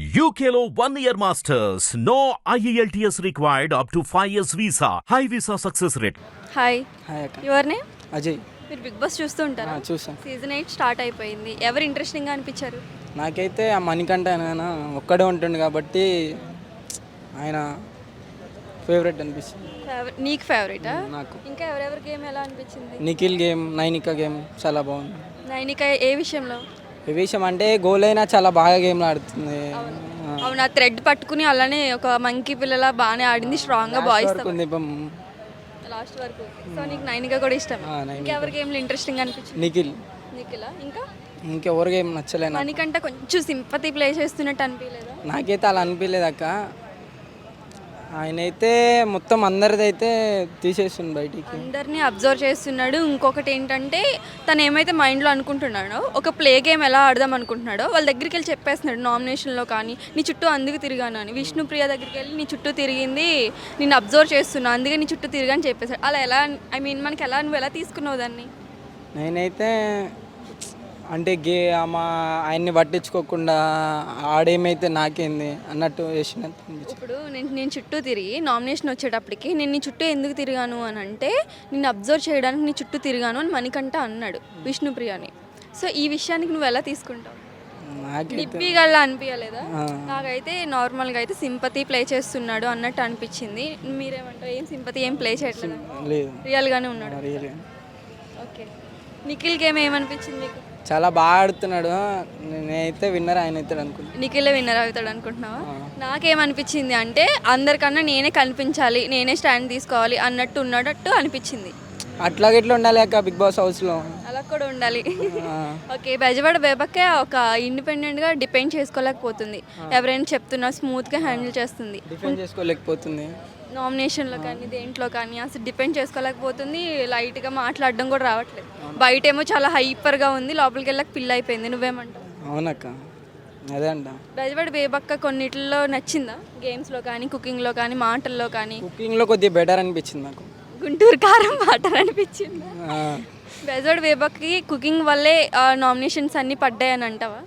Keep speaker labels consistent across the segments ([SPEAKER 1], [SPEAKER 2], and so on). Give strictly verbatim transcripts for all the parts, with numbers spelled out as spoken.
[SPEAKER 1] U K లో one year masters. No I E L T S required up to five years visa. High visa success rate.
[SPEAKER 2] Hi
[SPEAKER 3] hi అక్క.
[SPEAKER 2] Your name?
[SPEAKER 3] Ajay.
[SPEAKER 2] మీరు Bigg Boss చూస్తూ ఉంటారా?
[SPEAKER 3] ఆ, చూసాం.
[SPEAKER 2] Season eight start అయిపోయింది. ఎవరు ఇంట్రెస్టింగ్గా అనిపించారు?
[SPEAKER 3] నాకైతే ఆ మణికంఠ ఆయన ఒక్కడే ఉంటుంది కాబట్టి ఆయన ఫేవరెట్ అనిపిస్తుంది
[SPEAKER 2] ఫేవరెట్ నీకు ఫేవరెటా?
[SPEAKER 3] నాకు.
[SPEAKER 2] ఇంకా ఎవరెవరి గేమ్ ఎలా అనిపించింది?
[SPEAKER 3] నిఖిల్ గేమ్, నైనిక గేమ్ చాలా బాగుంది.
[SPEAKER 2] నైనిక ఏ విషయంలో?
[SPEAKER 3] ఈ విషయం అంటే గోల్ అయినా చాలా బాగా గేమ్లు ఆడుతుంది.
[SPEAKER 2] అవును, ఆ థ్రెడ్ పట్టుకుని అలానే ఒక మంకీ పిల్లల బాగానే ఆడింది, స్ట్రాంగ్గా బాయ్స్
[SPEAKER 3] ఉంది
[SPEAKER 2] లాస్ట్ వరకు. సో నీకు నైనిక కూడా ఇష్టం? ఇంకెవరి గేమ్లు ఇంట్రెస్టింగ్ అనిపించింది?
[SPEAKER 3] నిఖిల్.
[SPEAKER 2] నిఖిలా? ఇంకా
[SPEAKER 3] ఇంకెవరి గేమ్ నచ్చలేదు.
[SPEAKER 2] మనకంటే కొంచెం సింపతి ప్లే చేస్తున్నట్టు అనిపించలేదా?
[SPEAKER 3] నాకైతే అలా అనిపించలేదు అక్క. ఆయన అయితే మొత్తం అందరిది అయితే తీసేస్తుంది బయటికి,
[SPEAKER 2] అందరినీ అబ్జర్వ్ చేస్తున్నాడు. ఇంకొకటి ఏంటంటే తను ఏమైతే మైండ్లో అనుకుంటున్నాడో ఒక ప్లే గేమ్ ఎలా ఆడదాం అనుకుంటున్నాడో వాళ్ళ దగ్గరికి వెళ్ళి చెప్పేస్తున్నాడు. నామినేషన్లో కానీ నీ చుట్టూ అందుకు తిరిగాను అని, విష్ణుప్రియ దగ్గరికి వెళ్ళి నీ చుట్టూ తిరిగింది నేను అబ్జర్వ్ చేస్తున్నా అందుకే నీ చుట్టూ తిరిగాని చెప్పేశాడు. అలా ఎలా, ఐ మీన్ మనకి ఎలా, నువ్వు ఎలా తీసుకున్నావు దాన్ని?
[SPEAKER 3] నేనైతే అంటే గే మా ఆయన్ని పట్టించుకోకుండా ఆడేమైతే నాకేంది అన్నట్టు చేసినట్టు అనిపించింది.
[SPEAKER 2] ఇప్పుడు నేను నేను చుట్టూ తిరిగి నామినేషన్ వచ్చేటప్పటికి నేను నీ చుట్టూ ఎందుకు తిరిగాను అని అంటే నిన్ను అబ్జర్వ్ చేయడానికి నీ చుట్టూ తిరిగాను అని మణికంఠ అన్నాడు విష్ణుప్రియని. సో ఈ విషయానికి నువ్వు ఎలా తీసుకుంటావు? నిప్పిగల్లా అనిపించలేదా? నాకైతే నార్మల్గా అయితే సింపతి ప్లే చేస్తున్నాడు అన్నట్టు అనిపించింది. మీరేమంటారు? ఏం సింపతి ఏం ప్లే చేయట్లేదు, రియల్గానే ఉన్నాడు. ఓకే, నిఖిల్ గేమ్ ఏమనిపించింది మీకు?
[SPEAKER 3] చాలా బాగా ఆడుతున్నాడు. నేనైతే విన్నర్ ఆయన అవుతాడు అనుకుంటున్నాను.
[SPEAKER 2] నిఖిలే విన్నర్ అవుతాడు అనుకుంటున్నావా? నాకేమనిపించింది అంటే అందరికన్నా నేనే కనిపించాలి, నేనే స్టాండ్ తీసుకోవాలి అన్నట్టు ఉన్నట్టు అనిపించింది.
[SPEAKER 3] అట్లాగే ఇట్లా ఉండాలి అక్క బిగ్ బాస్ హౌస్లో, అలా
[SPEAKER 2] కూడా ఉండాలి. ఓకే, బెజవాడ బేబక్కే ఒక ఇండిపెండెంట్గా డిపెండ్ చేసుకోలేకపోతుంది. ఎవరైనా చెప్తున్నా స్మూత్గా హ్యాండిల్ చేస్తుంది,
[SPEAKER 3] డిపెండ్ చేసుకోలేకపోతుంది.
[SPEAKER 2] నామినేషన్లో కానీ దేంట్లో కానీ అసలు డిపెండ్ చేసుకోలేకపోతుంది. లైట్గా మాట్లాడడం కూడా రావట్లేదు. బయటేమో చాలా హైపర్గా ఉంది, లోపలికి వెళ్ళక పిల్ల అయిపోయింది. నువ్వేమంటావు?
[SPEAKER 3] అవునక్క, అదే అంట.
[SPEAKER 2] బెజవాడ బేబక్క కొన్నిట్లో నచ్చిందా? గేమ్స్లో కానీ, కుకింగ్లో కానీ, మాటల్లో కానీ?
[SPEAKER 3] కుకింగ్లో కొద్దిగా బెటర్ అనిపించింది నాకు.
[SPEAKER 2] గుంటూరు కారం వాటర్ అనిపించింది. బెజవాడ బేబక్కి కుకింగ్ వల్లే నామినేషన్స్ అన్నీ పడ్డాయని అంటావా?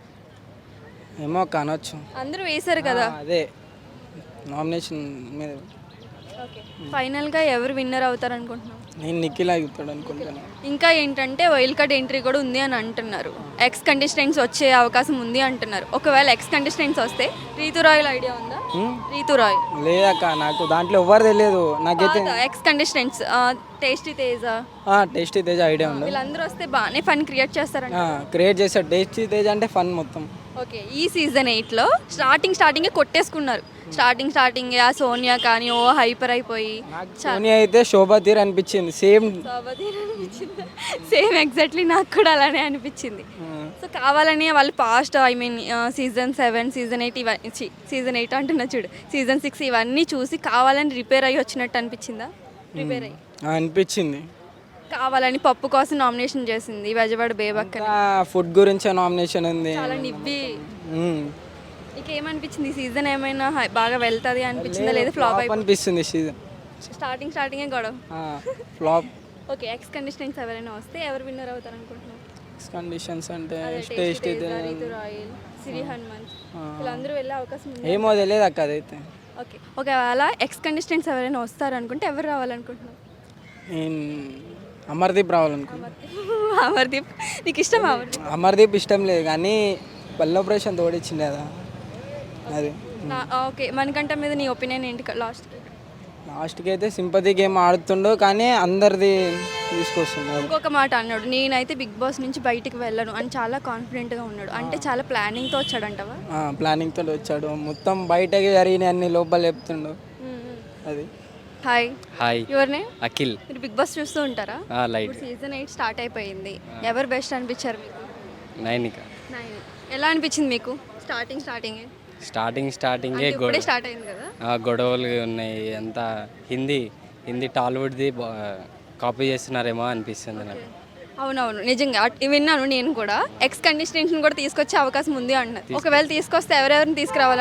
[SPEAKER 3] ఏమో అనొచ్చు,
[SPEAKER 2] అందరూ వేశారు కదా.
[SPEAKER 3] అదే నామినేషన్ మీద.
[SPEAKER 2] ఓకే, ఫైనల్గా ఎవరు విన్నర్ అవుతారు అనుకుంటున్నావు?
[SPEAKER 3] నేను నిఖిల్ అవుతాడు అనుకుంటున్నాను.
[SPEAKER 2] ఇంకా ఏంటంటే వైల్డ్ కార్డ్ ఎంట్రీ కూడా ఉంది అని అంటున్నారు. ఎక్స్ కంటెస్టెంట్స్ వచ్చే అవకాశం ఉంది అంటున్నారు. ఒకవేళ ఎక్స్ కంటెస్టెంట్స్ వస్తే రీతు రాయల్ ఐడియా ఉందా? రీతు రాయ్
[SPEAKER 3] లేదక్క, నాకు దాంట్లో ఎవరు తెలియదు. నాకైతే
[SPEAKER 2] ex contestants tasty Teja,
[SPEAKER 3] tasty Teja idea ఉంది.
[SPEAKER 2] వీళ్ళందరూ వస్తే బాగానే ఫన్ క్రియేట్ చేస్తారంట.
[SPEAKER 3] క్రియేట్ చేస్తారు. టేస్టీ తేజ అంటే ఫన్ మొత్తం.
[SPEAKER 2] ఓకే, ఈ సీజన్ ఎయిట్లో స్టార్టింగ్ స్టార్టింగే కొట్టేసుకున్నారు. స్టార్టింగ్ స్టార్టింగ్ ఆ సోనియా కానీ ఓ హైపర్ అయిపోయి,
[SPEAKER 3] సోనియా అయితే శోభా తీర్ అనిపించింది. సేమ్
[SPEAKER 2] శోభా తీర్ అనిపించింది. సేమ్ ఎగ్జాక్ట్లీ నాకు కూడా అలానే అనిపించింది. సో కావాలని వాళ్ళు past, I mean season seven, season eight ఇవన్నీ సీజన్ ఎయిట్ అంటున్నా చూడు, సీజన్ సిక్స్ ఇవన్నీ చూసి కావాలని రిపేర్ అయ్యి వచ్చినట్టు అనిపించిందా? రిపేర్ అయ్యి
[SPEAKER 3] అనిపించింది.
[SPEAKER 2] కావాలని పప్పు కోసం నామినేషన్ చేసింది బెజవాడ బేబక్క.
[SPEAKER 3] ఫుడ్ గురించి నామినేషన్ ఉంది.
[SPEAKER 2] చాలా నివ్వి. నీకేమనిపించింది? ఈ సీజన్ ఏమైనా బాగా వెళ్తుంది అనిపించిందా లేదా ఫ్లాప్
[SPEAKER 3] అనిపిస్తుంది? సీజన్
[SPEAKER 2] స్టార్టింగ్ స్టార్టింగే గొడవ, ఫ్లాప్. ఓకే, ఎక్స్ కంటెస్టెంట్స్ ఎవరైనా వస్తే ఎవరు విన్నర్ అవుతారు అనుకుంటున్నాను?
[SPEAKER 3] ఎక్స్ కండిషన్స్ అంటే
[SPEAKER 2] టేస్టీ రీతు రాయల్, సిరి హనుమంత్ వీళ్ళందరూ వెళ్ళే అవకాశం ఉంది.
[SPEAKER 3] ఏమో తెలియదు అక్క అదైతే.
[SPEAKER 2] ఓకే, ఒకవేళ ఎక్స్ కంటెస్టెంట్స్ ఎవరైనా వస్తారు అనుకుంటే ఎవరు రావాలనుకుంటున్నావు?
[SPEAKER 3] అమర్దీప్ రావాలనుకుంటున్నాను.
[SPEAKER 2] అమర్దీప్ నీకు ఇష్టం? అమర్దీప్
[SPEAKER 3] అమర్దీప్ ఇష్టం లేదు కానీ పల్లెపరేషన్ తోడిచ్చింది కదా అది.
[SPEAKER 2] ఓకే, మనకంట మీద నీ ఒపీనియన్ ఏంటి? లాస్ట్కి
[SPEAKER 3] లాస్ట్కి అయితే సింపతి గేమ్ ఆడుతుండో కానీ అందరిది తీసుకొస్తున్నాడు.
[SPEAKER 2] ఇంకొక మాట అన్నాడు, నేనైతే బిగ్ బాస్ నుంచి బయటికి వెళ్ళను అని చాలా కాన్ఫిడెంట్గా ఉన్నాడు. అంటే చాలా ప్లానింగ్తో వచ్చాడంటవా?
[SPEAKER 3] ప్లానింగ్తో వచ్చాడు. మొత్తం బయటకి జరిగిన అన్ని లోపల చెప్తుండు అది.
[SPEAKER 2] Hi.
[SPEAKER 4] Hi,
[SPEAKER 2] your name?
[SPEAKER 4] Akhil.
[SPEAKER 2] మీరు బిగ్ బాస్ చూస్తూ ఉంటారా?
[SPEAKER 4] లైట్.
[SPEAKER 2] సీజన్ ఎయిట్ స్టార్ట్ అయిపోయింది. ఎవరు బెస్ట్ అనిపించారు మీకు?
[SPEAKER 4] నైనిక.
[SPEAKER 2] నైన్. ఎలా అనిపించింది మీకు స్టార్టింగ్ స్టార్టింగ్?
[SPEAKER 4] స్టార్టింగ్ స్టార్టింగే
[SPEAKER 2] గొడవ స్టార్ట్ అయింది కదా.
[SPEAKER 4] గొడవలు ఉన్నాయి. అంతా హిందీ హిందీ టాలీవుడ్ది కాపీ చేస్తున్నారేమో అనిపిస్తుంది నాకు.
[SPEAKER 2] అవునవును, నిజంగా విన్నాను నేను కూడా. ఎక్స్ కంటెస్టెంట్స్ని కూడా తీసుకొచ్చే అవకాశం ఉంది అంటున్నారు. ఒకవేళ తీసుకొస్తే ఎవరెవరిని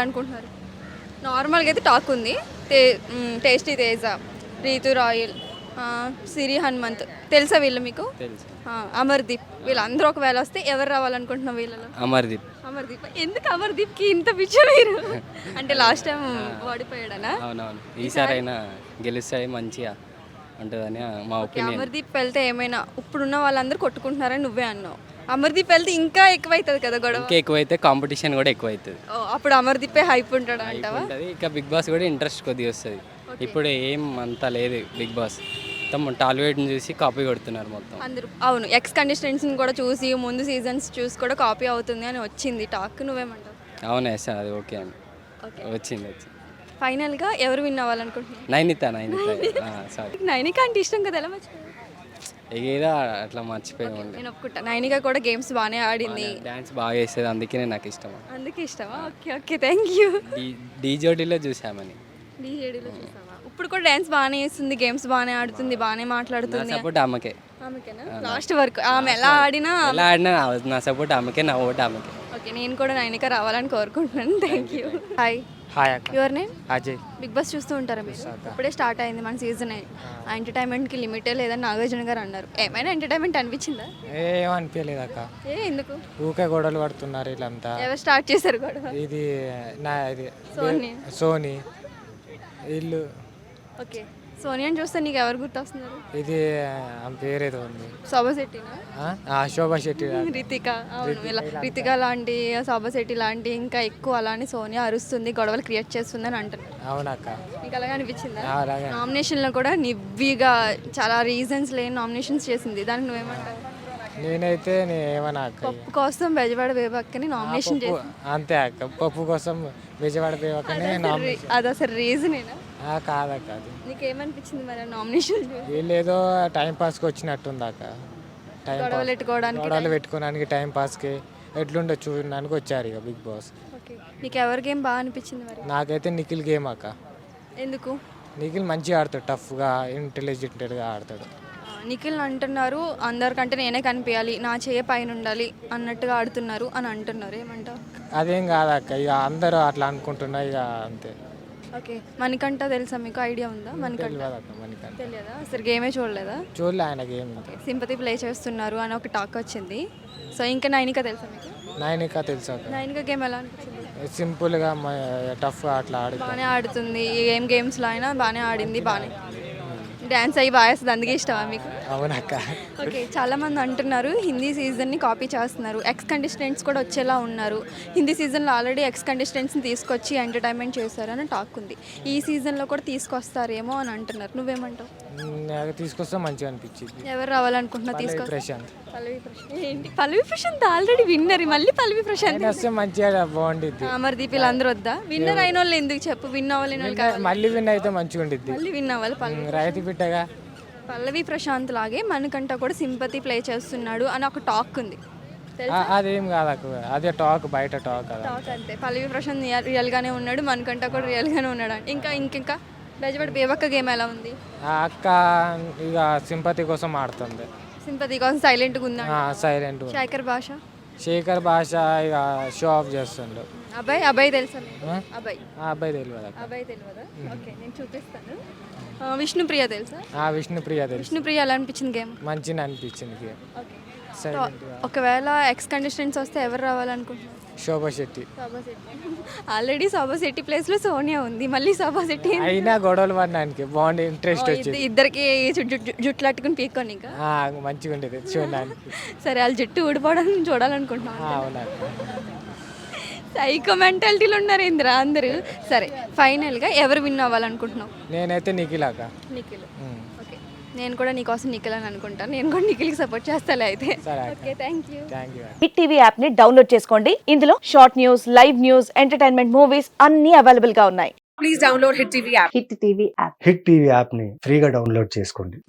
[SPEAKER 2] తీసుకురావాలనుకుంటున్నారు? నార్మల్గా అయితే టాక్ ఉంది, టే టేస్టీ తేజ, రీతు రాయల్, సిరి హనుమంత్ తెలుసా వీళ్ళు మీకు?
[SPEAKER 4] తెలుసు.
[SPEAKER 2] ఆ, అమర్దీప్ వీళ్ళందరూ ఒకవేళ వస్తే ఎవరు రావాలనుకుంటున్నాం వీళ్ళలో?
[SPEAKER 4] అమర్దీప్.
[SPEAKER 2] అమర్దీప్ ఎందుకు అమర్దీప్కి ఇంత పిచ్చ మీరు? అంటే లాస్ట్ టైం ఓడిపోయాడనా?
[SPEAKER 4] అవునవును, ఈసారైనా గెలుస్తాయి మంచిగా ఉంటుందని మా
[SPEAKER 2] ఓకే,
[SPEAKER 4] ఒపీనియన్.
[SPEAKER 2] అమర్దీప్ వెళ్తే ఏమైనా ఇప్పుడున్న వాళ్ళందరూ కొట్టుకుంటున్నారని నువ్వే అన్నావు. అమర్దీప్ వెళ్తే ఇంకా ఎక్కువ అవుతుంది కదా గొడవ.
[SPEAKER 4] ఇంకా ఎక్కువైతే కాంపిటీషన్ కూడా ఎక్కువ అవుతుంది.
[SPEAKER 2] ఓ, అప్పుడు అమర్దీపే హైప్ ఉంటాడు అంటావా?
[SPEAKER 4] ఉంటుంది. ఇక బిగ్ బాస్ కూడా ఇంట్రెస్ట్ కొద్దిగా వస్తుంది. ఇప్పుడు ఏం అంత లేదు బిగ్ బాస్, మొత్తం టాలీవుడ్ని చూసి కాపీ కొడుతున్నారు మొత్తం
[SPEAKER 2] అందరూ. అవును, ఎక్స్ కంటెస్టెంట్స్ని కూడా చూసి ముందు సీజన్స్ చూసి కూడా కాపీ అవుతుంది అని వచ్చింది టాక్. నువ్వేమంటావు?
[SPEAKER 4] అవునా సార్, అది ఓకే అండి.
[SPEAKER 2] ఓకే,
[SPEAKER 4] వచ్చింది వచ్చింది.
[SPEAKER 2] ఫైనల్గా ఎవరు విన్ అవ్వాలనుకుంటున్నాను?
[SPEAKER 4] నైనిత నైనిత సారీ,
[SPEAKER 2] నైనిక అంటే ఇష్టం కదా, ఎలా మర్చిపోయావు?
[SPEAKER 4] ఏదో అట్లా మర్చిపోయి ఉండే.
[SPEAKER 2] నేను ఒప్పుకుంటా, నైనిక కూడా గేమ్స్ బాగానే ఆడింది,
[SPEAKER 4] డ్యాన్స్ బాగా వేసేది, అందుకనే నాకు ఇష్టం.
[SPEAKER 2] అందుకే ఇష్టమా? Okay okay, thank you.
[SPEAKER 4] డీ డీజోడీలో చూసామని.
[SPEAKER 2] డీజేడీలో చూసావా? ఇప్పుడు కూడా డ్యాన్స్ బాగానే వేస్తుంది, గేమ్స్ బాగానే ఆడుతుంది, బాగానే
[SPEAKER 4] నా
[SPEAKER 2] మాట్లాడుతుంది.
[SPEAKER 4] సపోర్ట్ ఆమెకే.
[SPEAKER 2] ఆమెకేనా లాస్ట్ వరకు? ఆమె ఎలా ఆడినా
[SPEAKER 4] ఎలా ఆడినా నా సపోర్ట్ ఆమెకే, నా ఓటు ఆమెకే.
[SPEAKER 2] ఓకే, నేను కూడా నైనిక రావాలని కోరుకుంటున్నాను. Thank you. హాయ్,
[SPEAKER 5] హాయ్ అక్క.
[SPEAKER 2] Your name?
[SPEAKER 5] Ajay.
[SPEAKER 2] Bigg Boss చూస్తూ ఉంటారా మీరు? ఇప్పుడే స్టార్ట్ అయింది మన సీజన్. ఆ ఎంటర్టైన్మెంట్కి లిమిటే లేదని నాగార్జున గారు అన్నారు. ఏమైనా ఎంటర్టైన్మెంట్ అనిపించిందా?
[SPEAKER 5] ఏమనిపించలేదు అక్క,
[SPEAKER 2] ఏ ఎందుకు?
[SPEAKER 5] ఊకే గొడవలు పడుతున్నారు వీళ్ళంతా.
[SPEAKER 2] ఎవరు స్టార్ట్ చేశారు గొడవ?
[SPEAKER 5] ఇది నా ఇది
[SPEAKER 2] సోనీ.
[SPEAKER 5] సోనీ ఇల్లు.
[SPEAKER 2] ఓకే, సోనియాని చూస్తే నీకు ఎవరు గుర్తొస్తున్నారు?
[SPEAKER 5] ఇది ఆమె పేరేదో ఉంది,
[SPEAKER 2] శోభా శెట్టినా?
[SPEAKER 5] ఆ? ఆ, శోభా శెట్టి.
[SPEAKER 2] రితిక. అవును, ఇలా రితిక లాంటి, శోభా శెట్టి లాంటి, ఇంకా ఎక్కువ అలానే సోనియా అరుస్తుంది, గొడవలు క్రియేట్ చేస్తుంది అని అంటున్నారు.
[SPEAKER 5] అవునక్క.
[SPEAKER 2] నీకు అలాగే అనిపించిందా?
[SPEAKER 5] ఆ, అలాగే.
[SPEAKER 2] నామినేషన్లో కూడా నివ్విగా చాలా రీజన్స్ లేని నామినేషన్స్ చేసింది, దానికి నువ్వేమంటావు?
[SPEAKER 5] నేనైతే నేను ఏమన్నా అక్క,
[SPEAKER 2] పప్పు కోసం బెజవాడ బేబక్కని నామినేషన్
[SPEAKER 5] పప్పు
[SPEAKER 2] చేసి,
[SPEAKER 5] అంతే అక్క, పప్పు కోసం విజయవాడ పోయకనే
[SPEAKER 2] అది అసలు రీజనేనా?
[SPEAKER 5] కాదక్క. అది
[SPEAKER 2] నీకేమనిపించింది మరి నామినేషన్?
[SPEAKER 5] వీళ్ళు ఏదో టైం పాస్కి వచ్చినట్టుంది అక్క. టైం
[SPEAKER 2] గొడవలు
[SPEAKER 5] పాస్
[SPEAKER 2] పెట్టుకోవడానికి.
[SPEAKER 5] గొడవలు పెట్టుకోవడానికి టైం పాస్కి ఎట్లుండో చూడడానికి వచ్చారు ఇక బిగ్ బాస్.
[SPEAKER 2] ఓకే, నీకు ఎవరి గేమ్ బాగా అనిపించింది మరి?
[SPEAKER 5] నాకైతే నిఖిల్ గేమ్ అక్క.
[SPEAKER 2] ఎందుకు?
[SPEAKER 5] నిఖిల్ మంచిగా ఆడతాడు, టఫ్గా ఇంటెలిజెంట్గా ఆడతాడు.
[SPEAKER 2] ఆ, నిఖిల్ అంటున్నారు అందరికంటే నేనే కనిపించాలి, నా చేయ పైన ఉండాలి అన్నట్టుగా ఆడుతున్నారు అని అంటున్నారు, ఏమంటావు?
[SPEAKER 5] అదేం కాదక్క, ఇక అందరూ అట్లా అనుకుంటున్నా ఇక అంతే.
[SPEAKER 2] ఓకే, మణికంఠ తెలుసా మీకు? ఐడియా ఉందా మణికంఠ?
[SPEAKER 5] తెలియదు అక్క మనకి,
[SPEAKER 2] తెలియదా? అసలు గేమే చూడలేదా?
[SPEAKER 5] చూడలే ఆయన గేమ్.
[SPEAKER 2] సింపతి ప్లే చేస్తున్నారు అని ఒక టాక్ వచ్చింది. సో ఇంకా నైనిక తెలుసా మీకు?
[SPEAKER 5] నైనిక తెలుసు అక్క.
[SPEAKER 2] నైనిక గేమ్ ఎలా అనిపించింది?
[SPEAKER 5] సింపుల్గా టఫ్గా అట్లా ఆడి
[SPEAKER 2] బాగానే ఆడుతుంది, ఏం గేమ్స్లో అయినా బాగానే ఆడింది, బాగానే డ్యాన్స్ అయ్యి బాగా వేస్తుంది, అందుకే ఇష్టమా మీకు?
[SPEAKER 5] అవునక్క.
[SPEAKER 2] ఓకే, చాలామంది అంటున్నారు హిందీ సీజన్ని కాపీ చేస్తున్నారు, ఎక్స్ కంటెస్టెంట్స్ కూడా వచ్చేలా ఉన్నారు, హిందీ సీజన్లో ఆల్రెడీ ఎక్స్ కంటెస్టెంట్స్ని తీసుకొచ్చి ఎంటర్టైన్మెంట్ చేశారు అని టాక్ ఉంది. ఈ సీజన్లో కూడా తీసుకొస్తారేమో అని అంటున్నారు, నువ్వేమంటావు?
[SPEAKER 5] నాకు తీసుకొస్తే మంచిగా అనిపించింది.
[SPEAKER 2] ఎవరు రావాలనుకుంటున్నా తీసుకొస్తా?
[SPEAKER 5] ప్రశాంత్.
[SPEAKER 2] పల్లవి ప్రశాంత్ ఏంటి? పల్లవి ప్రశాంత్ ఆల్రెడీ విన్నర్, మళ్ళీ పల్లవి ప్రశాంత్
[SPEAKER 5] ఆయన వస్తే మంచిగా బాగుండిద్ది.
[SPEAKER 2] అమర్దీప్ వీళ్ళందరూ వద్దా? విన్నర్ అయిన వాళ్ళు ఎందుకు చెప్పు, విన్ అవ్వలేని వాళ్ళు కావాలి.
[SPEAKER 5] మళ్ళీ విన్ అయితే మంచిగా ఉండిద్ది.
[SPEAKER 2] మళ్ళీ విన్ అవ్వాలి. పల్లవి
[SPEAKER 5] రైతు బిడ్డగా
[SPEAKER 2] పల్లవి ప్రశాంత్ లాగే మనకంట కూడా సింపతి ప్లే చేస్తున్నాడు అని ఒక టాక్ ఉంది,
[SPEAKER 5] ఆ, అదేం కాదక్క, అదే టాక్, బయట టాక్ కదా.
[SPEAKER 2] టాక్ అంతే. పల్లవి ప్రశాంత్ రియల్- రియల్గానే ఉన్నాడు, మనకంట కూడా రియల్గానే ఉన్నాడు. ఇంకా ఇంకింకా బెజవాడ బేబక్క గేమ్ ఎలా ఉంది?
[SPEAKER 5] ఆ అక్క ఇక సింపతి కోసం ఆడుతుంది,
[SPEAKER 2] సింపతి కోసం సైలెంట్గా ఉందా?
[SPEAKER 5] సైలెంట్.
[SPEAKER 2] శేఖర్ భాష
[SPEAKER 5] శేఖర్ భాష ఇక షో ఆఫ్ చేస్తుండు.
[SPEAKER 2] అబ్బాయి అబ్బాయి తెలుసా మీకు?
[SPEAKER 5] ఆ?
[SPEAKER 2] అబ్బాయి
[SPEAKER 5] ఆ అబ్బాయి తెలియదు అక్క.
[SPEAKER 2] అబ్బాయి తెలియదా? ఓకే, నేను చూపిస్తాను. ఆ, విష్ణుప్రియ తెలుసా?
[SPEAKER 5] ఆ విష్ణుప్రియ తెలుసు,
[SPEAKER 2] విష్ణుప్రియ ఎలా అనిపించింది గేమ్?
[SPEAKER 5] మంచిగా అనిపించింది గేమ్.
[SPEAKER 2] Okay,
[SPEAKER 5] silent.
[SPEAKER 2] ఒకవేళ ఎక్స్ కంటెస్టెంట్స్ వస్తే ఎవరు రావాలనుకుంటున్నారు?
[SPEAKER 5] శోభా శెట్టి.
[SPEAKER 2] శోభా శెట్టి. ఆల్రెడీ శోభా శెట్టి ప్లేస్లో సోనియా ఉంది, మళ్ళీ శోభా శెట్టి
[SPEAKER 5] అయినా గొడవలు పడడానికి బాగుంది, ఇంట్రెస్ట్ వచ్చింది.
[SPEAKER 2] ఇద్దరికి జుట్లు అట్టుకుని పీక్కొని ఇంకా
[SPEAKER 5] ఆ, మంచిగా ఉండేది చూడడానికి.
[SPEAKER 2] సరే, వాళ్ళ జుట్టు ఊడిపోవడం చూడాలనుకుంటున్నాను.
[SPEAKER 5] అవునక్క.
[SPEAKER 2] సైకో మెంటాలిటీలో ఉన్నారు ఇంద్ర అందరూ. సరే, ఫైనల్గా ఎవరు విన్ అవ్వాలనుకుంటున్నావు?
[SPEAKER 5] నేనైతే నిఖిల్ అక్క.
[SPEAKER 2] నిఖిల్.
[SPEAKER 5] ఉమ్.
[SPEAKER 2] ఓకే, నేను కూడా నీకోసం నిఖిల్ అని అనుకుంటాను, నేను కూడా నిఖిల్కి సపోర్ట్ చేస్తాలే అయితే.
[SPEAKER 5] సరే అక్క.
[SPEAKER 2] Okay, thank you.
[SPEAKER 5] Thank you.
[SPEAKER 6] Hit TV app ని డౌన్లోడ్ చేసుకోండి. ఇందులో short news, live news, entertainment movies అన్ని అవైలబుల్ గా ఉన్నాయి.
[SPEAKER 7] Please download Hit T V app.
[SPEAKER 6] Hit TV app.
[SPEAKER 8] Hit TV యాప్ని ఫ్రీగా డౌన్లోడ్ చేసుకోండి.